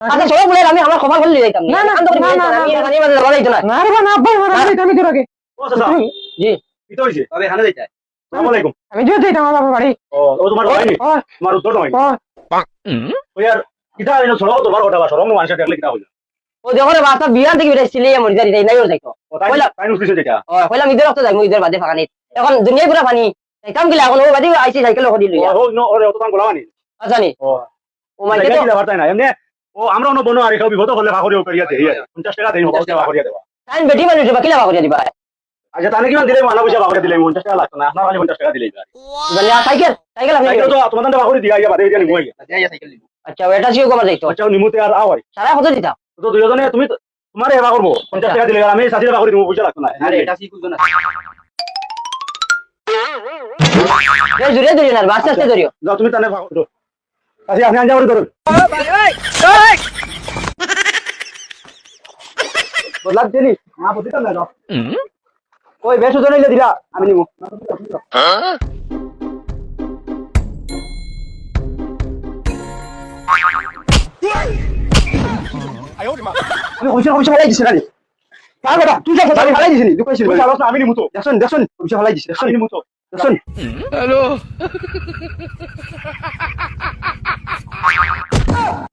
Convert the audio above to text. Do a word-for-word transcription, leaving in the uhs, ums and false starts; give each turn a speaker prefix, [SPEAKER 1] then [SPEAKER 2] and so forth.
[SPEAKER 1] আচ্ছা চলো বলে আমি আমার খবর বলে যাইতাম
[SPEAKER 2] না না
[SPEAKER 1] আমি
[SPEAKER 2] না না
[SPEAKER 1] আমি মানি মাঝে লড়াই তো না
[SPEAKER 2] না রে না আব্বা মারা যাইতাম আমি তোর আগে
[SPEAKER 3] ও চাচা
[SPEAKER 1] জি
[SPEAKER 3] কি তো হইছে তবে হানে যাইতা আসসালামু আলাইকুম
[SPEAKER 2] আমি যে যাইতাম আমার বাবার বাড়ি
[SPEAKER 3] ও ও তোমার ভাই নি
[SPEAKER 2] ও
[SPEAKER 3] তোমার উত্তর নয়
[SPEAKER 2] ও
[SPEAKER 3] ও ইয়ার কিটা এনো ছড়ো তোমার ওটা সরম মানুষ দেখলে কিটা হইলো
[SPEAKER 1] ও দেখো রে বাসা বিয়ার থেকে বেরে সিলে মরি যাই নাই ওর যাইতো
[SPEAKER 3] ও তাই
[SPEAKER 1] কইলা
[SPEAKER 3] তাই নুসলিছে যেটা
[SPEAKER 1] ও কইলা মিদের রক্ত যাই মুইদের বাদে ফাকানি এখন দুনিয়া পুরা পানি যাইতাম কি এখন ও বাদে আইছি সাইকেল হদি
[SPEAKER 3] ও
[SPEAKER 1] লইয়া
[SPEAKER 3] ও নো ওরে অত তান গোলামানি
[SPEAKER 1] আচ্ছা নি
[SPEAKER 3] ও
[SPEAKER 1] ও মাইকে তো
[SPEAKER 3] কিটা বার্তা না এমনি ও আমরা অন্য বনো আর কেউ বিপদ হলে ভাগরিও করিয়া দেই পঞ্চাশ টাকা দেই পঞ্চাশ টাকা ভাগরিয়া দেবা
[SPEAKER 1] টাইম বেটি মানুষ বা কিলা বাকরিয়া দিবা
[SPEAKER 3] আচ্ছা তাহলে কিমান দিলে মানা পয়সা ভাগরিয়া দিলে পঞ্চাশ টাকা লাগতো না আপনার খালি পঞ্চাশ টাকা দিলেই
[SPEAKER 1] মানে সাইকেল সাইকেল আপনি
[SPEAKER 3] সাইকেল তো তোমার দান ভাগরি দিয়া ইয়া বাদে দিয়া নিমু ইয়া
[SPEAKER 1] আচ্ছা এটা ছিল কমার যাইতো
[SPEAKER 3] আচ্ছা নিমুতে আর আওয়াই
[SPEAKER 1] সারা কত দিতা
[SPEAKER 3] তো দুইজনে তুমি তোমার এবা করবো পঞ্চাশ টাকা দিলে আর আমি ষাট টাকা ভাগরি দিমু পয়সা লাগতো না
[SPEAKER 4] আরে এটা কি কুলতো না
[SPEAKER 1] এই জুড়ে জুড়ে না বাস আস্তে ধরিও
[SPEAKER 3] যাও তুমি তানে ভাগ করো আচ্ছা আপনি আনজা করে ধরুন বদলা দেনি না বদিতা না যাও ওই বেশ ওজন হইলে দিলা আমি নিমু আমি কইছি কইছি ফলাই দিছি না রে কার কথা তুই যা কথা ফলাই দিছিস নি তুই কইছিস আমি নিমু তো দেখছন দেখছন কইছি ফলাই দিছিস দেখছন নিমু তো দেখছন
[SPEAKER 4] হ্যালো